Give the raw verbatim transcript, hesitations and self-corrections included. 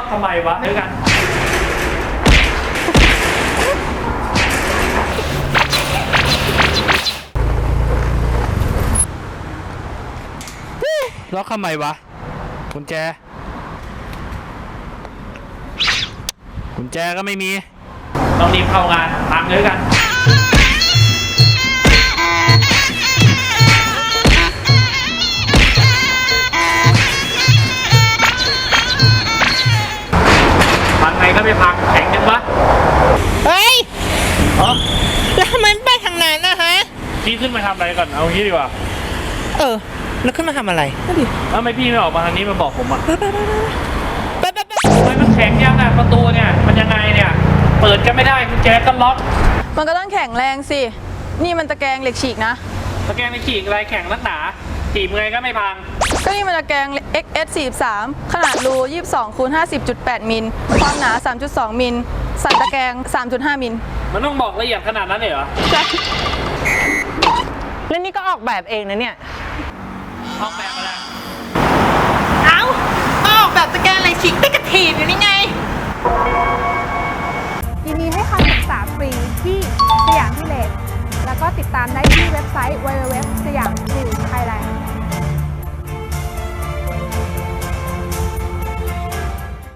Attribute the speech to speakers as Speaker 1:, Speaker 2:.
Speaker 1: ทำไมวะด้วยกันล็อกทำไมวะกุญแจกุญแจก็ไม่มีต้องรีบเข้างานพังเลยกันพังไงก็ไม่พังแข็งจังวะ
Speaker 2: เฮ้ย
Speaker 1: อ๋อ
Speaker 2: แล้วทำไมไม่ไปทางนั้นนะฮะ
Speaker 1: พี่ขึ้นมาทำอะไรก่อนเอางี้ดีกว่า
Speaker 2: เออแล้วขึ้นมาทำอะไรนั่นดิ
Speaker 1: แล้วทำไมพี่ไม่ออกมาทางนี้มาบอกผมอ่ะ
Speaker 2: ไปไปไปไปไปไป
Speaker 1: ทำไมมันแข็งยังอ่ะประตูเนี่ยมันยังไงเนี่ยเปิดก็ไม่ได้กุญแจก็ล็อก
Speaker 3: มันก็ต้องแข็งแรงสิ นี่มันตะแกรงเหล็กฉีกนะ
Speaker 1: ตะแกรงในขีกอะไรแข็งนักหนาขีบไงก็ไม่พัง
Speaker 3: ก็นี่มันตะแกรง เอ็กซ์ เอส สี่สิบสาม ขนาดรู ยี่สิบสองคูณห้าสิบจุดแปด มิล ความหนา สามจุดสอง มิล สันตะแกรง สามจุดห้า มิล
Speaker 1: มันต้องบอกละเอียดขนาดนั้นเลยเหรอ
Speaker 3: ใช่
Speaker 2: แล้วนี่ก็ออกแบบเองนะเนี่ย
Speaker 1: ออกแบบอะไร
Speaker 2: เอ้าออกแบบตะแกรงอะไรชิคได้กระถีบอยู่นี่ไง
Speaker 4: ยินดีให้คำปรึกษาฟรีที่สยามพิเลศแล้วก็ติดตามได้ที่เว็บไซต์ ดับเบิลยู ดับเบิลยู ดับเบิลยู ดอท สยาม นิวส์ ไทยแลนด์